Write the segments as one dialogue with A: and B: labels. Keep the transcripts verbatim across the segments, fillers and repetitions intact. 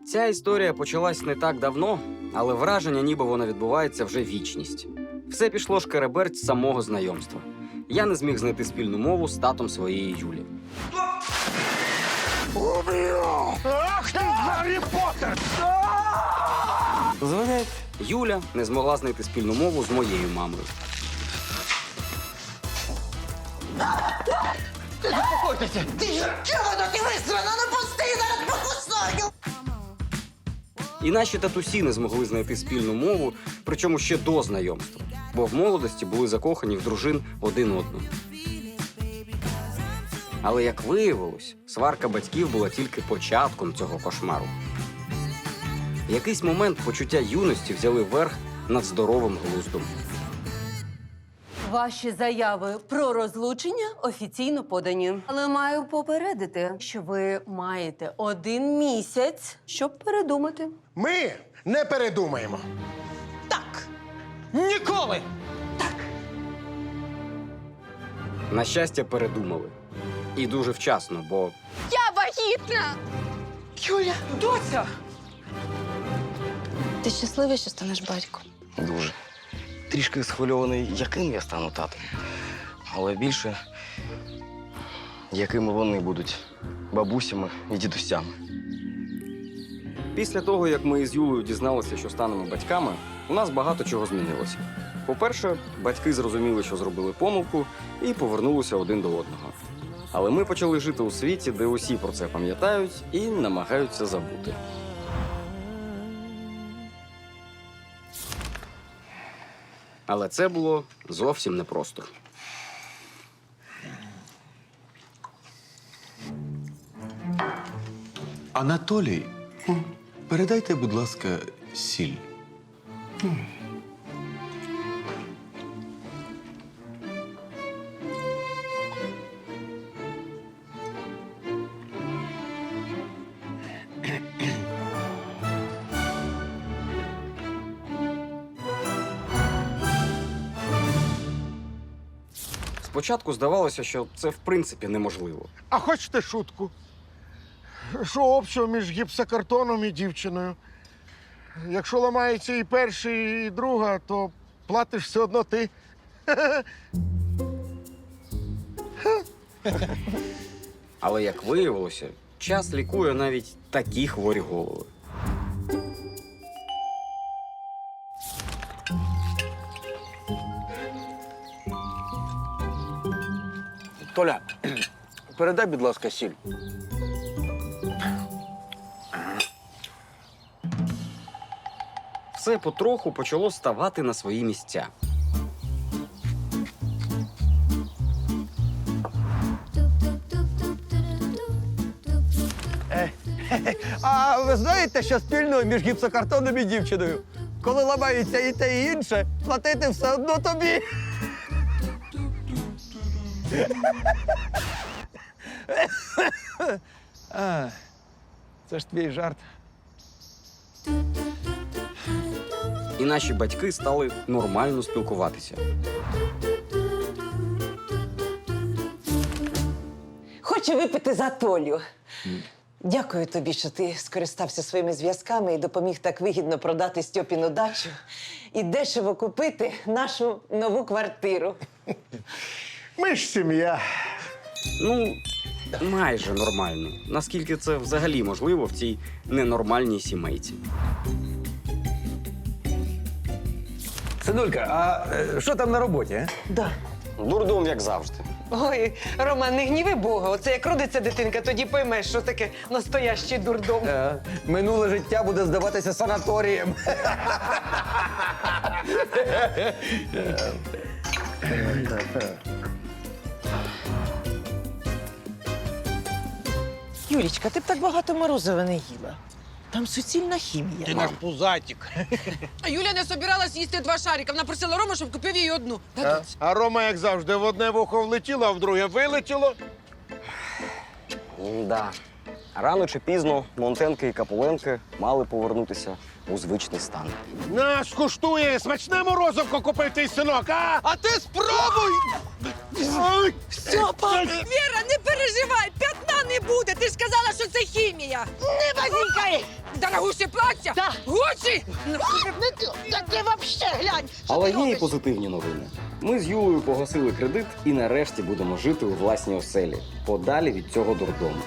A: Ця історія почалась не так давно, але враження, ніби вона відбувається вже вічність. Все пішло шкереберть з самого знайомства. Я не зміг знайти спільну мову з татом своєї Юлі.
B: Ах ти, Гаррі Поттер!
A: Звонять. Юля не змогла знайти спільну мову з моєю мамою.
B: Заспокойтеся!
C: Ти чого тут висрано? Ну пусти, зараз покусаю!
A: І наші татусі не змогли знайти спільну мову, причому ще до знайомства, бо в молодості були закохані в дружин один одного. Але, як виявилось, сварка батьків була тільки початком цього кошмару. В якийсь момент почуття юності взяли верх над здоровим глуздом.
D: Ваші заяви про розлучення офіційно подані. Але маю попередити, що ви маєте один місяць, щоб передумати.
B: Ми не передумаємо.
C: Так,
B: Ніколи!
A: На щастя, передумали. І дуже вчасно, бо
E: Я вагітна!
C: Юля, доця!
E: Ти щасливий, що станеш батьком?
F: Дуже. Трішки схвильований, яким я стану татом. Але більше, якими вони будуть бабусями і дідусями.
A: після того, як ми із Юлею дізналися, що станемо батьками, у нас багато чого змінилося. По-перше, батьки зрозуміли, що зробили помилку, і повернулися один до одного. Але ми почали жити у світі, де усі про це пам'ятають і намагаються забути. Але це було зовсім непросто.
G: Анатолій, передайте, будь ласка, сіль.
A: Спочатку здавалося, що це в принципі неможливо.
B: А хочете шутку? Що общого між гіпсокартоном і дівчиною? Якщо ламається і перший, і друга, то платиш все одно ти.
A: Але, як виявилося, час лікує навіть такі хворі голови.
F: Толя, передай, будь ласка, сіль.
A: Все потроху почало ставати на свої місця.
H: А ви знаєте, що спільного між гіпсокартоном і дівчиною? Коли ламається і те, і інше, платити все одно тобі. А, це ж твій жарт.
A: І наші батьки стали нормально спілкуватися.
C: Хочу випити за Толю. Дякую тобі, що ти скористався своїми зв'язками і допоміг так вигідно продати Стьопіну дачу і дешево купити нашу нову квартиру.
B: Ми ж сім'я.
A: Ну, майже нормально. Наскільки це взагалі можливо в цій ненормальній сімейці.
H: Синулька, а е, що там на роботі? А?
C: Да.
A: Дурдом, як завжди.
C: Ой, Роман, не гніви Бога. Оце як родиться дитинка, тоді поймеш, що таке настоящий дурдом.
H: Е, минуле життя буде здаватися санаторієм.
C: Юлічка, ти б так багато морозива не їла. Там суцільна хімія.
B: Ти наш пузатик.
I: А Юля не собиралась їсти два шарика. Вона просила Рому, щоб купив їй одну.
B: А, а Рома, як завжди, в одне вухо влетіло, а в друге вилетіло.
A: Да. Рано чи пізно Монтенки і Капуленки мали повернутися у звичний стан.
B: На, скуштує, смачне морозивко купив твій синок, а? А ти спробуй! Ой!
I: Стьопа! Віра, не переживай, п'ятна не буде! Ти ж сказала, що це хімія!
C: Не базікай!
I: Дорогуще плаття!
C: Да.
I: Гучі!
C: Та ти вообще глянь!
A: Але є і позитивні новини. Ми з Юлею погасили кредит і нарешті будемо жити у власній оселі, подалі від цього дурдому.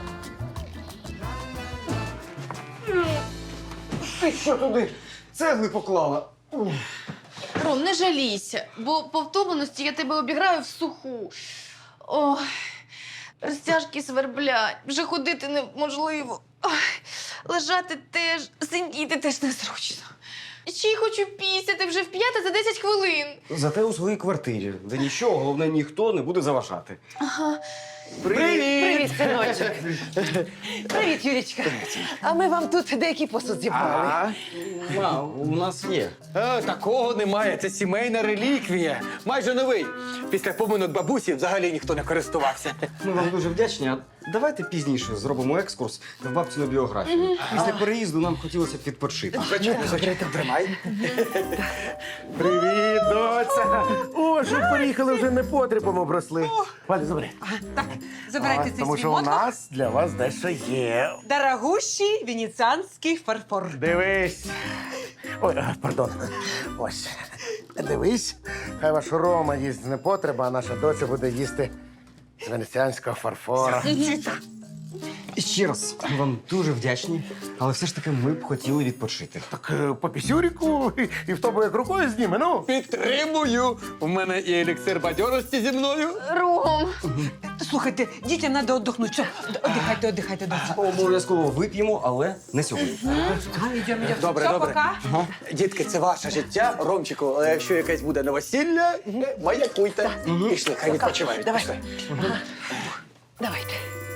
F: Ти що туди цегли поклала?
E: Ром, не жалійся, бо по втомленості я тебе обіграю в суху. Ой, розтяжки сверблять, вже ходити неможливо. Ой, лежати теж, сидіти теж незручно. Ще й хочу пісяти вже в п'яте за десять хвилин.
A: Зате у своїй квартирі, де нічого, головне, ніхто не буде заважати.
E: Ага.
C: Привіт, синочок! Привіт, Юлічка! А ми вам тут деякий посуд зібрали.
A: А, у нас є.
H: Е, такого немає, це сімейна реліквія. Майже новий. Після поминок бабусі взагалі ніхто не користувався.
A: Ми вам дуже вдячні. А давайте пізніше зробимо екскурс в бабцину біографію. Після переїзду нам хотілося б відпочити.
H: Тримай.
B: Привіт, доця! О, що приїхали вже непотребом обросли. Валя, забери.
I: Забирайте цей
B: Тому
I: свій
B: що у
I: мотлох.
B: нас для вас дещо є.
I: Дорогущий венеціанський фарфор.
B: Дивись. Ой, а, пардон. Ось. Дивись. Хай ваш Рома їсть з непотреба, а наша доця буде їсти з венеціанського фарфора.
A: І ще раз, ми вам дуже вдячні, але все ж таки ми б хотіли відпочити.
B: Так е, по пісюріку і, і в тобі як рукою зніме, ну.
H: Підтримую. У мене і еліксир бадьорості зі мною.
E: Ром,
I: Слухайте, дітям треба віддохнути. Все, віддихайте, віддихайте, доця.
A: Обов'язково вип'ємо, але не сьогодні.
I: Ідемо, ідемо.
H: Добре,
I: Все,
H: добре.
I: пока.
H: Дітки, це ваше життя. Ромчику, але якщо якесь буде новосілля, маякуйте. Пішли, хай відпочивають.
C: Давай.
H: Пішли.
C: Давайте.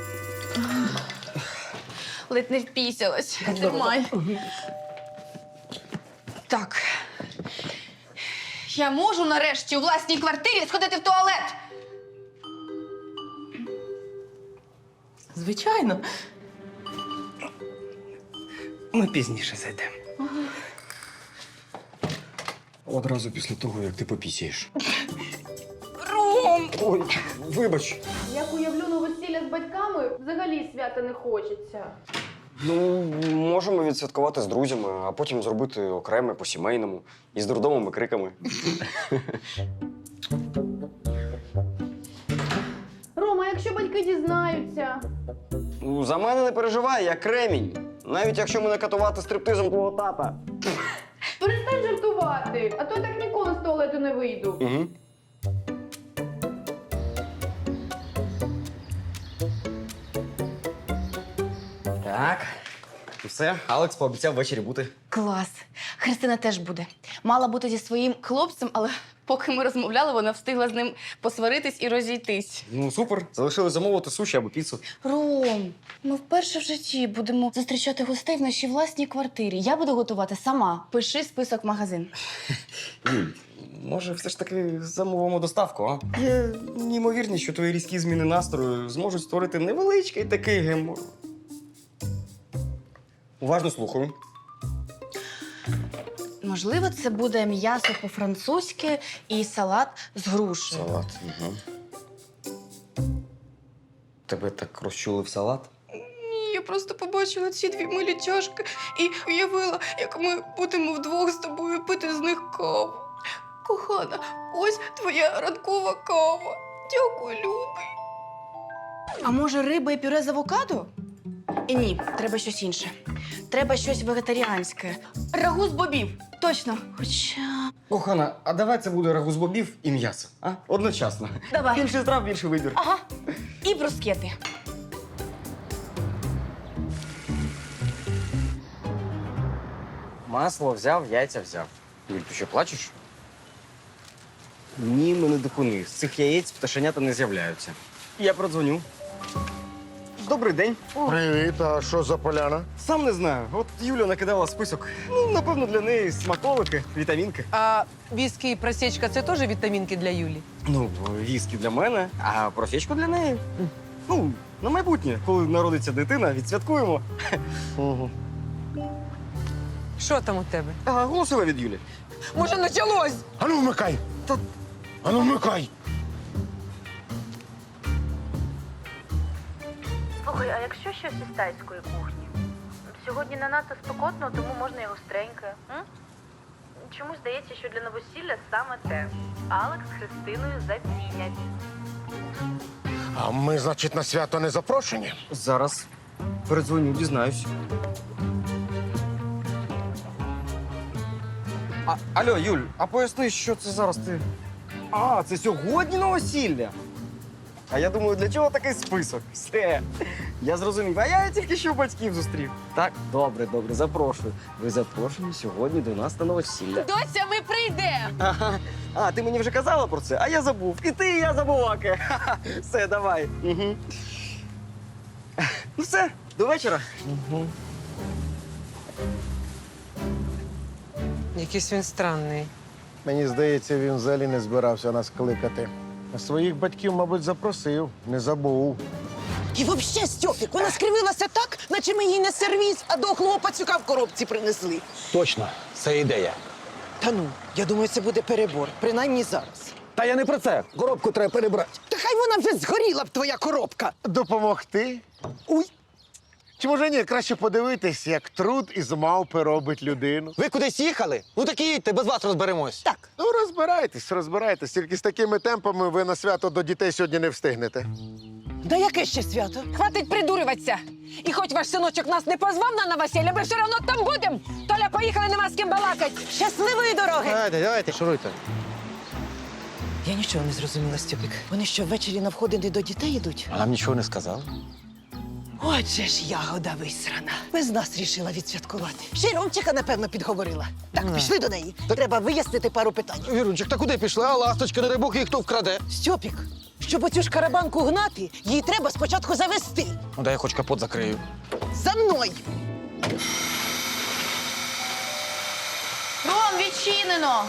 E: ледь не впісялась. Тримай. Так. Я можу нарешті у власній квартирі сходити в туалет?
C: Звичайно.
A: Ми пізніше зайдемо. Одразу після того, як ти попісяєш.
E: Ром!
A: Ой, вибач.
E: Як уявлю новосілля з батьками, взагалі свята не хочеться.
A: Ну, можемо відсвяткувати з друзями, а потім зробити окреме по-сімейному із дурдомом і криками.
E: Рома, якщо батьки дізнаються?
A: Ну, за мене не переживай, я кремінь. Навіть якщо мене катувати стриптизом твого тата.
E: Перестань жартувати, а то я так ніколи з туалету не вийду.
A: Угу. Так. І все, Алекс пообіцяв ввечері бути.
E: Клас. Христина теж буде. Мала бути зі своїм хлопцем, але поки ми розмовляли, вона встигла з ним посваритись і розійтись.
A: Ну, супер. Залишили замовити суші або піцу.
E: Ром, ми вперше в житті будемо зустрічати гостей в нашій власній квартирі. Я буду готувати сама. Пиши список в магазин.
A: Юль, може, все ж таки замовимо доставку, а? Є неймовірність, що твої різкі зміни настрою зможуть створити невеличкий такий гемор. Уважно слухаю.
E: Можливо, це буде м'ясо по-французьки і салат з груші.
A: Салат. Угу. Тебе так розчулив салат?
E: Ні, я просто побачила ці дві милі чашки і уявила, як ми будемо вдвох з тобою пити з них каву. Кохана, ось твоя ранкова кава. Дякую, любий. А може, риба і пюре з авокадо? І ні, треба щось інше. Треба щось вегетаріанське. Рагу з бобів. Точно. Хоча.
A: Кохана, а давай це буде рагу з бобів і м'ясо, а? Одночасно.
E: Давай.
A: Більше страв, більше вибір.
E: Ага. І брускети.
A: Масло взяв, яйця взяв. Юль, ти що, плачеш? Ні, мене дикуни. З цих яєць пташенята не з'являються. Я продзвоню. Добрий день.
B: Привіт, а що за поляна?
A: Сам не знаю. От Юля накидала список. Ну, напевно, для неї смаколики, вітамінки.
I: А віскі і просічка – це теж вітамінки для Юлі?
A: Ну, віскі для мене, а просічку для неї. Ну, на майбутнє, коли народиться дитина, відсвяткуємо.
B: Угу.
I: Що там у тебе?
A: А, голосила від Юлі.
I: Може, почалось?
B: Ану, вмикай!
A: Та-
B: Ану, вмикай!
J: Слухай, а якщо щось із тайської кухні? Сьогодні не надто спекотно, тому можна і гостреньке. М? Чомусь здається, що для новосілля саме те. Алекс з Христиною зацінять.
B: А ми, значить, на свято не запрошені?
A: Зараз передзвоню, дізнаюсь. А, алло, Юль, а поясни, що це зараз ти. А, це сьогодні новосілля. А я думаю, для чого такий список? Все. Я зрозумів. А я тільки що батьків зустрів. Так, добре, добре, запрошую. Ви запрошені сьогодні до нас на новосілля.
I: Дося, ми прийдемо!
A: Ага. А, ти мені вже казала про це, а я забув. І ти, і я забуваки. Ха-ха. Все, давай. Угу. Ну все, до вечора. Угу.
I: Якийсь він странний.
B: Мені здається, він взагалі не збирався нас кликати. А своїх батьків, мабуть, запросив, не забув.
C: І взагалі, Стьопік, вона скривилася так, наче ми їй не сервіз, а дохлого пацюка в коробці принесли.
H: Точно, це ідея.
C: Та ну, я думаю, це буде перебор, принаймні зараз.
H: Та я не про це. Коробку треба перебрати.
C: Та хай вона вже згоріла б, твоя коробка.
B: Допомогти?
C: Уй,
B: Чи може ні, краще подивитись, як труд із мавпи робить людину?
H: Ви кудись їхали? Ну так і їдьте, без вас розберемось.
C: так.
B: Ну, розбирайтесь, розбирайтесь. Тільки з такими темпами ви на свято до дітей сьогодні не встигнете.
C: Да яке ще свято?
I: Хватить придурюватися! І хоч ваш синочок нас не позвав на новосілля, ми все одно там будемо! Толя, поїхали, нема з ким балакать!
C: Щасливої дороги!
H: Давайте, давайте, шуруйте.
C: Я нічого не зрозуміла, Стьопік. Вони що, ввечері на входини до дітей йдуть?
H: А нам нічого не сказали.
C: Отже ж ягода висрана. Без нас рішила відсвяткувати. Ще й Ромчика, напевно, підговорила. Так, пішли до неї. Треба вияснити пару питань.
H: Вірунчик, та куди пішли? А ласточка, не дай Бог, їх хто вкраде.
C: Стьопік, щоб оцю ж карабанку гнати, її треба спочатку завести.
H: Ну, дай я хоч капот закрию.
C: За мною!
J: Ром, відчинено!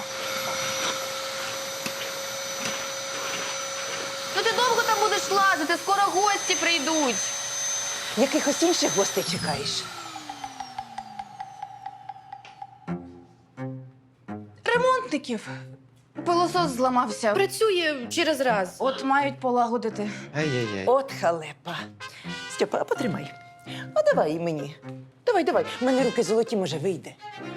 J: Ну ти довго там будеш лазити, скоро гості прийдуть.
C: Якихось інших гостей чекаєш?
J: Ремонтників. Пилосос зламався. Працює через раз. От мають полагодити.
H: Ай-яй-яй.
C: От халепа. Стьопа, а потримай. А давай і мені. Давай, давай. У мене руки золоті, може, вийде.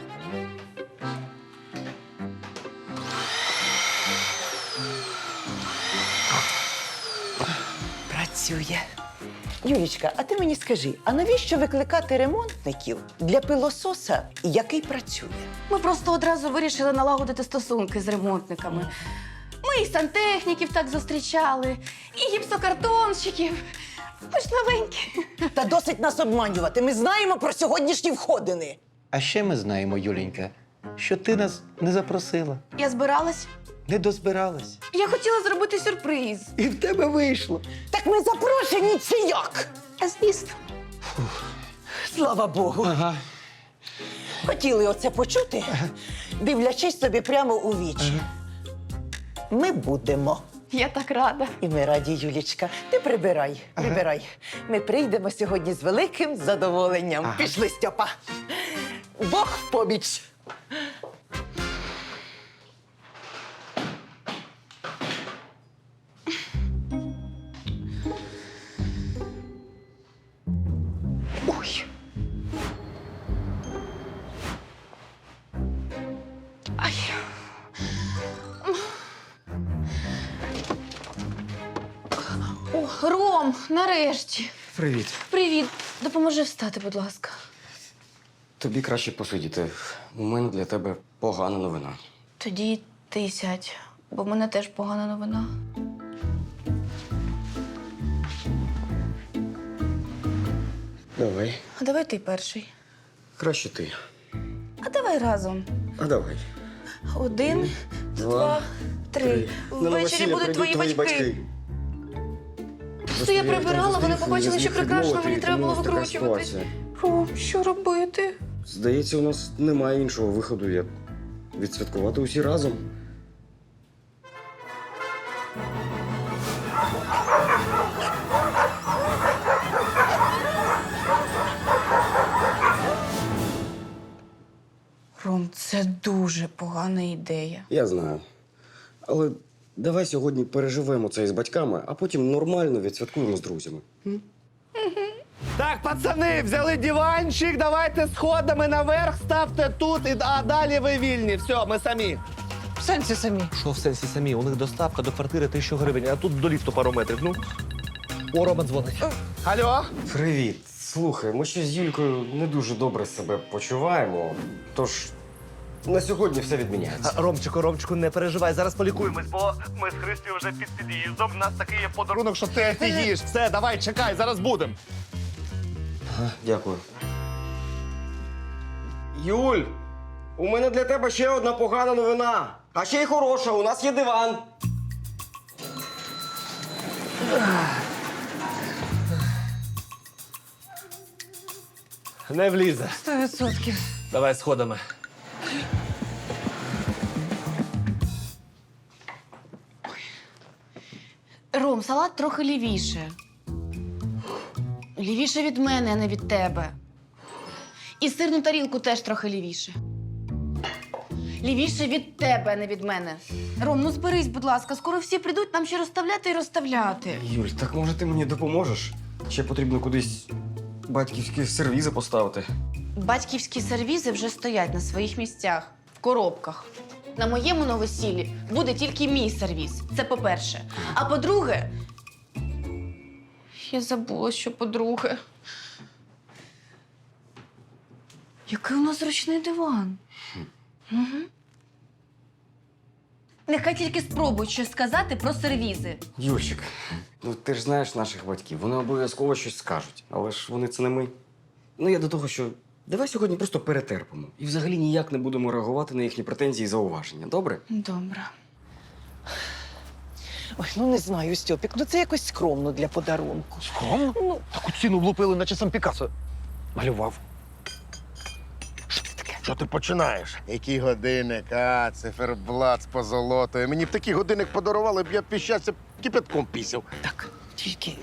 C: Працює. Юлічка, а ти мені скажи, а навіщо викликати ремонтників для пилососа, який працює?
J: Ми просто одразу вирішили налагодити стосунки з ремонтниками. Ми і сантехніків так зустрічали, і гіпсокартонщиків. Ми ж новенькі.
C: Та досить нас обманювати. Ми знаємо про сьогоднішні входини.
G: А ще ми знаємо, Юленька, що ти нас не запросила,
J: Я збиралась.
G: не дозбиралась.
J: Я хотіла зробити сюрприз.
G: І в тебе вийшло.
C: Так ми запрошені чи як?
J: А звісно.
C: Слава Богу.
G: Ага.
C: Хотіли оце почути, дивлячись собі прямо у вічі. Ми будемо.
J: Я так рада.
C: І ми раді, Юлічка. Ти прибирай, прибирай. Ми прийдемо сьогодні з великим задоволенням. Пішли, Стьопа. Бог в поміч. Ой.
J: Ай. О, Ром, нарешті.
A: Привіт.
J: Привіт. Допоможи встати, будь ласка.
A: Тобі краще посидіти. У мене для тебе погана новина.
J: Тоді ти сядь, бо в мене теж погана новина.
A: Давай.
J: А давай ти перший.
A: Краще ти.
J: А давай разом.
A: А давай.
J: Один, два, три. Ввечері будуть твої батьки. Просто я прибирала, вони побачили, що прекрасно, мені треба було викручуватись. Ром, що робити?
A: Здається, у нас немає іншого виходу, як відсвяткувати усі разом.
J: Ром, це дуже погана ідея.
A: Я знаю. Але давай сьогодні переживемо це із батьками, а потім нормально відсвяткуємо з друзями. М?
H: Так, пацани, взяли диванчик, давайте сходами наверх, ставте тут, і, а далі ви вільні. Все, ми самі.
C: В сенсі самі.
G: Що в сенсі самі? У них доставка до квартири тисячу гривень, а тут до ліфту пару метрів. Ну, о, Рома дзвонить.
H: Алло?
A: Привіт. Слухай, ми ще з Юлькою не дуже добре себе почуваємо. Тож на сьогодні все відміняється.
H: А, Ромчику, Ромчику, не переживай, зараз полікуємось, бо ми з Христю вже під під'їздом. У нас такий є подарунок, що ти офігієш. Все, давай, чекай, зараз будемо.
A: Ага, дякую. Юль, у мене для тебе ще одна погана новина. А ще й хороша, у нас є диван.
H: Не влізе.
I: Сто відсотків.
H: Давай сходами.
J: Ром, салат трохи лівіше. Лівіше від мене, а не від тебе. І сирну тарілку теж трохи лівіше. Лівіше від тебе, а не від мене. Ром, ну зберись, будь ласка, скоро всі прийдуть нам ще розставляти і розставляти.
A: Юль, так може ти мені допоможеш? Ще потрібно кудись батьківські сервізи поставити.
J: Батьківські сервізи вже стоять на своїх місцях, в коробках. На моєму новосіллі буде тільки мій сервіз. Це по-перше. А по-друге, я забула, що по-друге. Який у нас зручний диван. Угу. Нехай тільки спробують щось сказати про сервізи.
A: Юльчик, ну ти ж знаєш наших батьків, вони обов'язково щось скажуть. Але ж вони це не ми. Ну я до того, що давай сьогодні просто перетерпимо. І взагалі ніяк не будемо реагувати на їхні претензії і зауваження. Добре?
J: Добре.
C: Ой, ну не знаю, Стьопік, ну це якось скромно для подарунку.
H: Скромно?
C: Ну,
H: Таку ціну влупили, наче сам Пікассо малював.
B: Що ти починаєш? Який годинник, а, циферблат з позолотою. Мені б такий годинник подарували, б я б щастя кипятком пісів.
C: так, тільки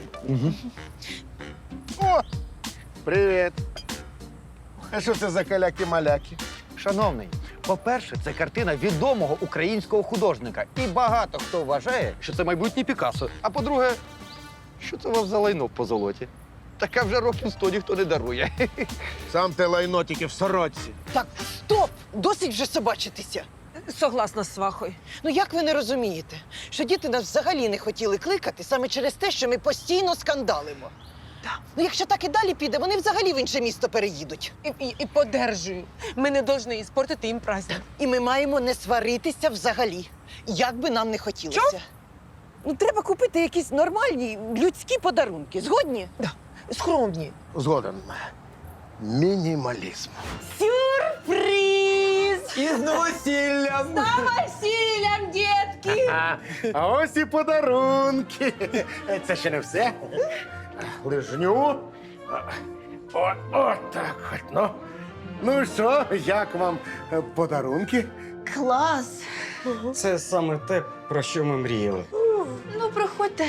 B: О! Привіт! А що це за каляки-маляки?
H: Шановний, по-перше, це картина відомого українського художника. І багато хто вважає, що це майбутнє Пікассо. А по-друге, що це у вас за лайно по золоті? Таке вже років сто ніхто не дарує.
B: Сам ти лайно тільки в сорочці.
C: так, стоп! Досить вже собачитися.
I: Согласна з свахою.
C: Ну як ви не розумієте, що діти нас взагалі не хотіли кликати саме через те, що ми постійно скандалимо? Ну, якщо так і далі піде, вони взагалі в інше місто переїдуть.
I: І, і, і подержую. Ми не повинні іспортити їм праздник.
C: І ми маємо не сваритися взагалі, як би нам не хотілося.
I: Що?
C: Ну, треба купити якісь нормальні людські подарунки. Згодні?
I: Да. Скромні.
B: Згоден. Мінімалізм.
C: Сюрприз!
H: І з новосіллям!
C: Василям, дітки!
B: А, а ось і подарунки. Це ще не все. Лижню. О, о, так от, ну. Ну що, як вам е, подарунки?
J: Клас!
A: Це саме те, про що ми мріяли.
J: Ну, проходьте.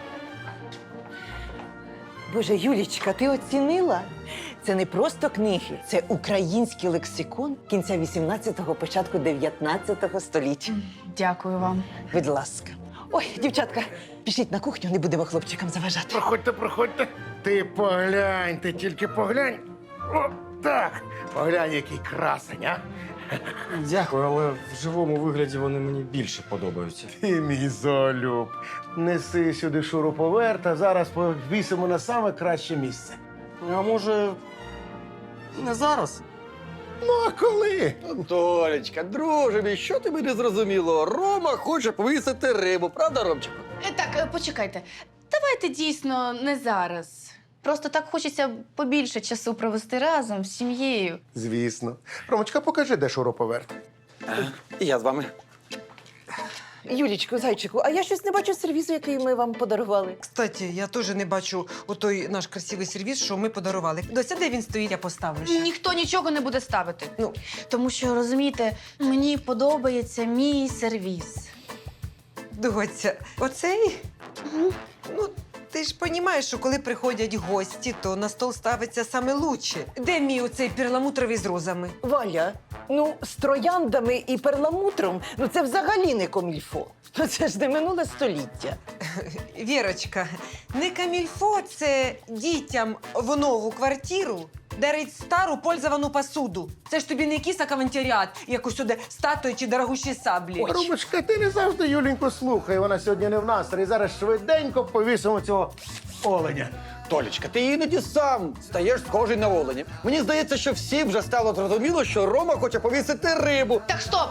C: Боже, Юлічка, ти оцінила? Це не просто книги, це український лексикон кінця вісімнадцятого, початку дев'ятнадцятого століття.
J: Дякую вам.
C: Будь ласка. Ой, дівчатка, пішліть на кухню, не будемо хлопчикам заважати.
B: Проходьте, проходьте. Ти поглянь, ти тільки поглянь. О, так. Поглянь, який красень, а?
A: Дякую, але в живому вигляді вони мені більше подобаються.
B: Ти мій золюб. Неси сюди шуруповерт, а зараз повісимо на саме краще місце.
A: А може, не зараз?
B: Ну, а коли?
H: Толечка, друже мій, що тобі не зрозуміло? Рома хоче повісити рибу, правда, Ромчику?
J: Е, Так, е, почекайте. Давайте дійсно не зараз. Просто так хочеться побільше часу провести разом з сім'єю.
B: Звісно. Ромочка, покажи, де шуруповерт.
H: І я з вами.
C: Юлічко, зайчику, а я щось не бачу сервізу, який ми вам подарували.
I: Кстати, я теж не бачу отой наш красивий сервіс, що ми подарували. Дося, де він стоїть, я поставлю ще.
J: Ніхто нічого не буде ставити.
I: Ну.
J: Тому що, розумієте, мені подобається мій сервіс.
I: Доця, оцей? Ну, ти ж розумієш, що коли приходять гості, то на стол ставиться саме лучше. Де мій оцей перламутровий з розами?
C: Валя, Ну, з трояндами і перламутром, ну це взагалі не комільфо. Ну це ж не минуле століття.
I: Вірочка, не камільфо це дітям в нову квартиру дарить стару пользовану посуду. Це ж тобі не якийсь авантюріат, як усюди статуї чи дорогущі саблі.
B: Рубочка, ти не завжди Юленьку слухай, вона сьогодні не в настрої. Зараз швиденько повісимо цього оленя.
H: Толічка, ти іноді сам стаєш схожий на оленя. Мені здається, що всім вже стало зрозуміло, що Рома хоче повісити рибу.
J: Так, стоп!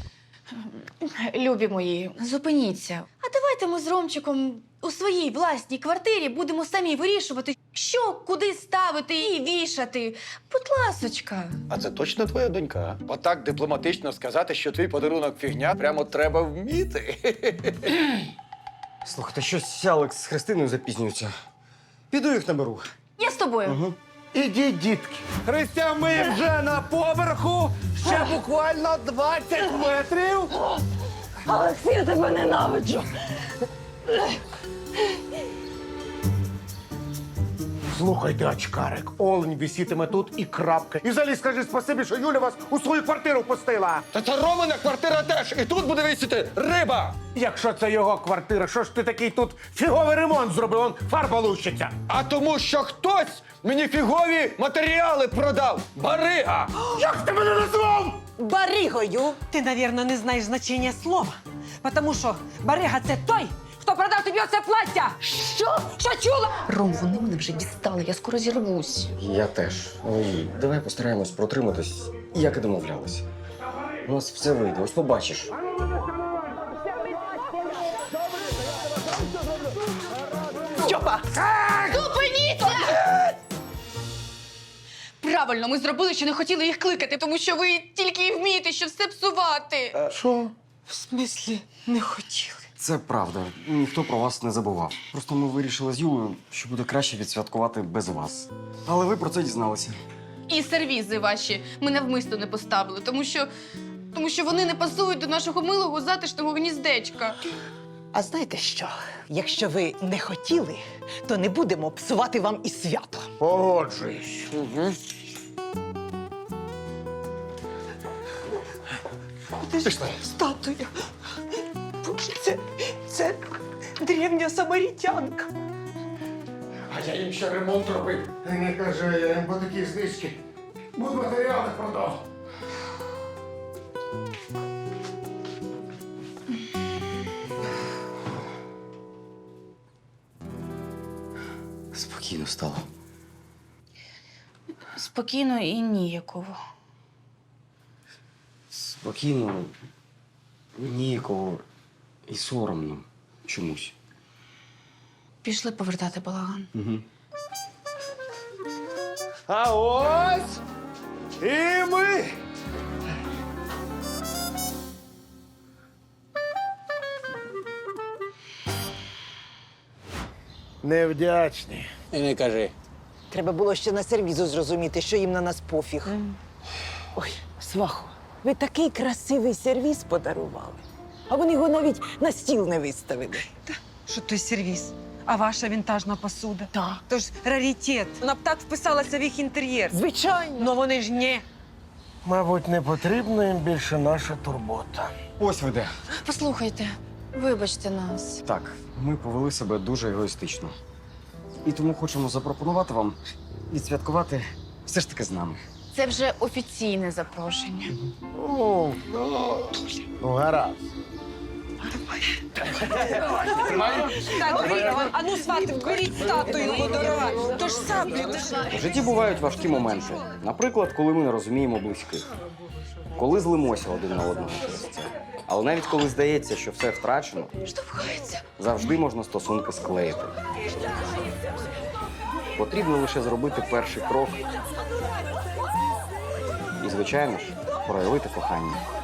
J: Любі мої, зупиніться. А давайте ми з Ромчиком у своїй власній квартирі будемо самі вирішувати, що куди ставити і вішати. Будь ласочка.
H: А це точно твоя донька? Отак дипломатично сказати, що твій подарунок фігня, прямо треба вміти.
A: Слухайте, щось Алекс з Христиною запізнюються. Піду їх наберу.
J: Я з тобою.
A: Угу.
B: Ідіть, дітки.
H: Христя, ми вже на поверху. Ще буквально двадцять метрів.
C: Олексій, я тебе ненавиджу.
B: Слухайте, очкарик, олень висітиме тут і крапка. І взагалі скажи спасибі, що Юля вас у свою квартиру пустила.
H: Та це Ромина квартира теж. І тут буде висіти риба.
B: Якщо це його квартира, що ж ти такий тут фіговий ремонт зробив? Он фарба лущиться.
H: А тому, що хтось мені фігові матеріали продав. Барига.
B: Як ти мене назвав?
C: Баригою.
I: Ти, навірно, не знаєш значення слова. Тому що барига – це той, хто продав тобі оце плаття. Що? Що чула?
J: Ром, вони мене вже дістали, я скоро зірвусь.
A: Я теж. Ой, давай постараємось протриматись, як і домовлялися. У нас все вийде, ось побачиш.
C: Стьопа!
E: Зупиніться! Правильно, ми зробили, що не хотіли їх кликати, тому що ви тільки і вмієте, що все псувати.
B: Що?
I: В смислі не хотіли?
A: Це правда. Ніхто про вас не забував. Просто ми вирішили з Юлею, що буде краще відсвяткувати без вас. Але ви про це дізналися.
E: І сервізи ваші ми навмисно не поставили, тому що, тому що вони не пасують до нашого милого затишного гніздечка.
C: А знаєте що? Якщо ви не хотіли, то не будемо псувати вам і свято.
B: Погоджуюсь.
C: Пішли. Статуя. Боже, це, це древня самарітянка.
B: А я їм ще ремонт робив. Не кажи, я їм по такій знижці. Будматеріали продав.
A: Спокійно стало.
J: Спокійно і ніяково.
A: Спокійно, ніяково і соромно чомусь.
J: Пішли повертати балаган.
A: Угу.
H: А ось і ми.
B: Невдячні.
H: І не кажи.
C: Треба було ще на сервізу зрозуміти, що їм на нас пофіг. Ой, свахо, ви такий красивий сервіз подарували. А вони його навіть на стіл не виставили.
I: Що той сервіс? А ваша вінтажна посуда?
C: Так.
I: Тож раритет. Вона б так вписалася в їх інтер'єр.
C: Звичайно.
I: Ну вони ж ні.
B: Мабуть, не потрібна їм більше наша турбота.
A: Ось ви де.
J: Послухайте, вибачте нас.
A: Так, ми повели себе дуже егоїстично. І тому хочемо запропонувати вам відсвяткувати все ж таки з нами.
J: Це вже офіційне запрошення.
B: Ну, ну гаразд.
I: Так, ви, а ну, свати, беріть статую водора. Тож саблі, тож...
A: В житті бувають важкі моменти. Наприклад, коли ми не розуміємо близьких. Коли злимося один на одного. Але навіть коли здається, що все втрачено,
J: Штовхається.
A: завжди можна стосунки склеїти. Потрібно лише зробити перший крок. І, звичайно ж, проявити кохання.